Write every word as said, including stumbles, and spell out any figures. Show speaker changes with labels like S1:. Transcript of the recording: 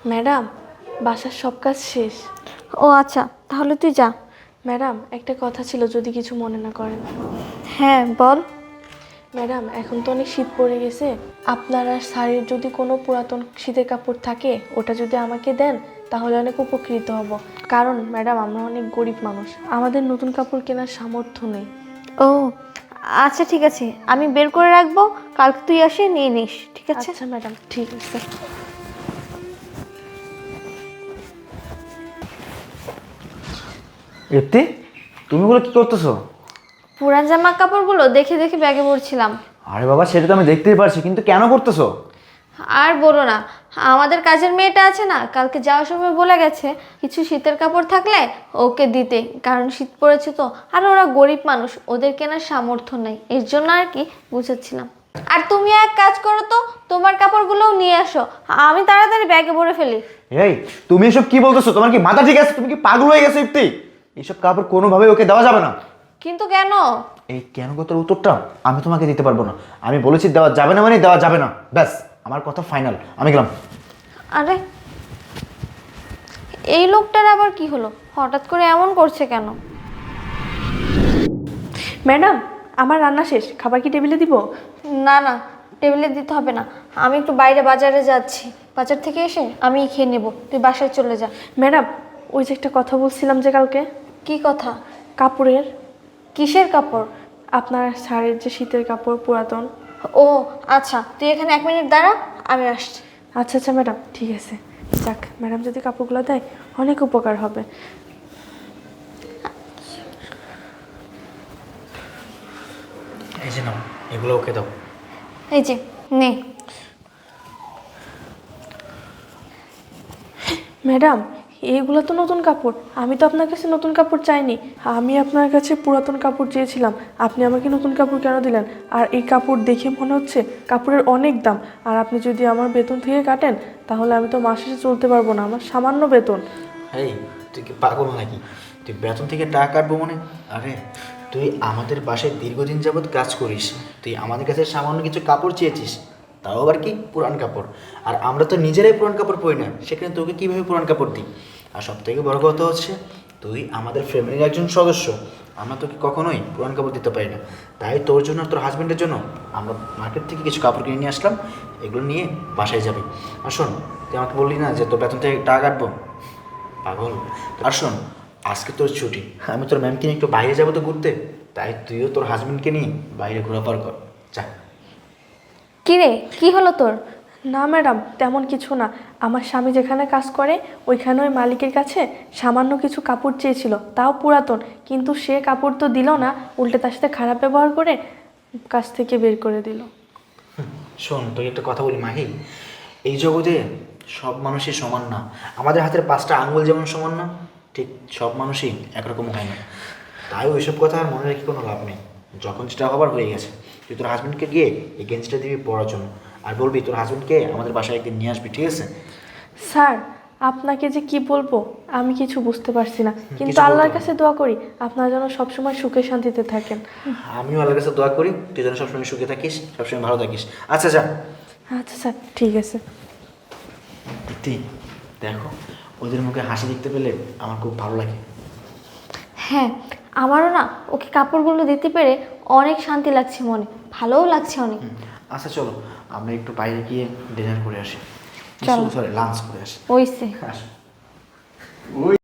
S1: Madam, বাসার সব কাজ শেষ।
S2: ও আচ্ছা, তাহলে তুই যা।
S1: ম্যাডাম, একটা কথা ছিল, যদি কিছু মনে না করেন।
S2: হ্যাঁ বল।
S1: ম্যাডাম, এখন তো অনেক শীত পড়ে গেছে, আপনার আর শাড়ির যদি কোনো পুরাতন শীতের কাপড় থাকে ওটা যদি আমাকে দেন তাহলে অনেক উপকৃত হব। কারণ ম্যাডাম, আমরা অনেক গরিব মানুষ, আমাদের নতুন কাপড় কেনার সামর্থ্য নেই।
S2: ও আচ্ছা ঠিক আছে, আমি বের করে রাখবো, কালকে তুই আসে নিয়ে নিস, ঠিক আছে?
S1: আচ্ছা ম্যাডাম, ঠিক আছে।
S3: ইপ্তি, তুমি ওগুলো কি করতেছো?
S2: পুরান জামা কাপড়গুলো দেখে দেখে ব্যাগে ভরছিলাম।
S3: আরে বাবা, সেটা তো আমি দেখতেই পারছি, কিন্তু কেন করতেছো?
S2: আর বলো না, আমাদের কাজের মেয়েটা আছে না, কালকে যাওয়ার সময় বলে গেছে কিছু শীতের কাপড় থাকলে ওকে দিতে, কারণ শীত পড়েছে তো, আর ওরা গরিব মানুষ, ওদের কেনার সামর্থ্য নেই, এর জন্য আর কি বুঝাচ্ছিলাম। আর তুমি এক কাজ করো তো, তোমার কাপড়গুলোও নিয়ে আসো, আমি তাড়াতাড়ি ব্যাগে ভরে ফেলি।
S3: এই, তুমি এসব কি বলতেছো? তোমার কি মাথা ঠিক আছে? তুমি কি পাগল হয়ে গেছো ইপ্তি? এইসব কাপড় কোনোভাবে ওকে দেওয়া যাবে না।
S2: কিন্তু কেন?
S3: এই কেন কথার উত্তরটা আমি তোমাকে দিতে পারবো না। আমি বলেছি দেওয়া যাবে না মানে দেওয়া যাবে না, ব্যাস, আমার কথা ফাইনাল, আমি গেলাম।
S2: আরে এই লোকটার আবার কি হলো, হঠাৎ করে এমন করছে কেন?
S1: ম্যাডাম, আমার রান্না শেষ, খাবার কি টেবিলে দিব?
S2: না না, টেবিলে দিতে হবে না, আমি একটু বাইরে বাজারে যাচ্ছি, বাজার থেকে এসে আমি খেয়ে নেব, তুই বাসায় চলে যা।
S1: ম্যাডাম, ওই যে একটা কথা বলছিলাম যে কালকে,
S2: কি কথা?
S1: কাপড়ের।
S2: কিসের কাপড়?
S1: আপনার শাড়ির যে শীতের কাপড় পুরাতন।
S2: ও আচ্ছা, তুই এখানে এক মিনিট দাঁড়া, আমি আসছি।
S1: আচ্ছা আচ্ছা ম্যাডাম, ঠিক আছে। যাক, ম্যাডাম যদি কাপড়গুলো দেয় অনেক উপকার হবে।
S3: এই যে নাও, এগুলো ওকে দাও।
S2: এই যে নে।
S1: ম্যাডাম, এইগুলো তো নতুন কাপড়, আমি তো আপনার কাছে নতুন কাপড় চাইনি, আমি আপনার কাছে পুরাতন কাপড় চেয়েছিলাম। আপনি আমাকে নতুন কাপড় কেন দিলেন? আর এই কাপড় দেখে মনে হচ্ছে কাপড়ের অনেক দাম, আর আপনি যদি আমার বেতন থেকে কাটেন তাহলে আমি তো মাস শেষে চলতে পারবো না, আমার সামান্য বেতন।
S4: এই, তুই কি পাগল নাকি? তুই বেতন থেকে টাকা কাটবো মানে? আরে তুই আমাদের বাসায় দীর্ঘদিন যাবৎ কাজ করিস, তুই আমাদের কাছে সামান্য কিছু কাপড় চেয়েছিস, তাও আবার কি পুরান কাপড়। আর আমরা তো নিজেরাই পুরান কাপড় পরি না, সেখানে তোকে কীভাবে পুরান কাপড় দিই? আর সব থেকে বড় কথা হচ্ছে, তুই আমাদের ফ্যামিলির একজন সদস্য, আমরা তোকে কখনোই পুরান কাপড় দিতে পারি না। তাই তোর জন্য আর তোর হাজব্যান্ডের জন্য আমরা মার্কেট থেকে কিছু কাপড় কিনে নিয়ে আসলাম, এগুলো নিয়ে বাসায় যাবি। আর শোন, তুই আমাকে বললি না যে তোর বেতন থেকে টাকা কাটবো? পাগল। আর শোন, আজকে তোর ছুটি, আমি তোর ম্যামকে নিয়ে একটু বাইরে যাবো তো ঘুরতে, তাই তুইও তোর হাজবেন্ডকে নিয়ে বাইরে ঘোরাফার কর, যা।
S2: কি রে, কি হলো তোর?
S1: না ম্যাডাম, তেমন কিছু না। আমার স্বামী যেখানে কাজ করে ওইখানে ওই মালিকের কাছে সামান্য কিছু কাপড় চেয়েছিল, তাও পুরাতন, কিন্তু সে কাপড় তো দিল না, উল্টে তার সাথে খারাপ ব্যবহার করে কাছ থেকে বের করে দিল।
S4: শোন, তোকে একটা কথা বলি মাহি, এই জগতে সব মানুষই সমান না। আমাদের হাতের পাঁচটা আঙ্গুল যেমন সমান না, ঠিক সব মানুষই একরকম হয় না। তাই ওইসব কথা আর মনে রেখে কোনো লাভ নেই। যখন যেটা হবার হয়ে গেছে, তুই তোর হাজব্যান্ডকে গিয়ে এই গেঞ্জিটা দিবি পরার জন্য, আর বলবি তোর হাজব্যান্ডকে আমাদের বাসায় একদিন নিয়ে আসবি, ঠিক আছে?
S1: স্যার, আপনাকে যে কি বলবো আমি কিছু বুঝতে পারছি না, কিন্তু
S4: কিছু বলতে
S1: আল্লাহর
S4: হবে
S1: কাছে দোয়া করি আপনারা যেন সবসময় সুখে শান্তিতে থাকেন।
S4: আমিও আল্লাহর কাছে দোয়া করি তুই যেন সবসময় সুখে থাকিস, সবসময় ভালো থাকিস। আচ্ছা যা।
S1: আচ্ছা স্যার, ঠিক আছে।
S4: দিদি, দেখো, ওদের মুখে হাসি দেখতে পেলে আমার খুব ভালো লাগে।
S2: হ্যাঁ, আমারও না ওকে কাপড়গুলো দিতে পেরে অনেক শান্তি লাগছে মনে, ভালোও লাগছে অনেক।
S4: আচ্ছা চলো, আমরা একটু বাইরে গিয়ে ডিনার করে আসি,
S2: চলো।
S4: সরি লাঞ্চ করে আসি।
S2: ওইসে
S4: আসো।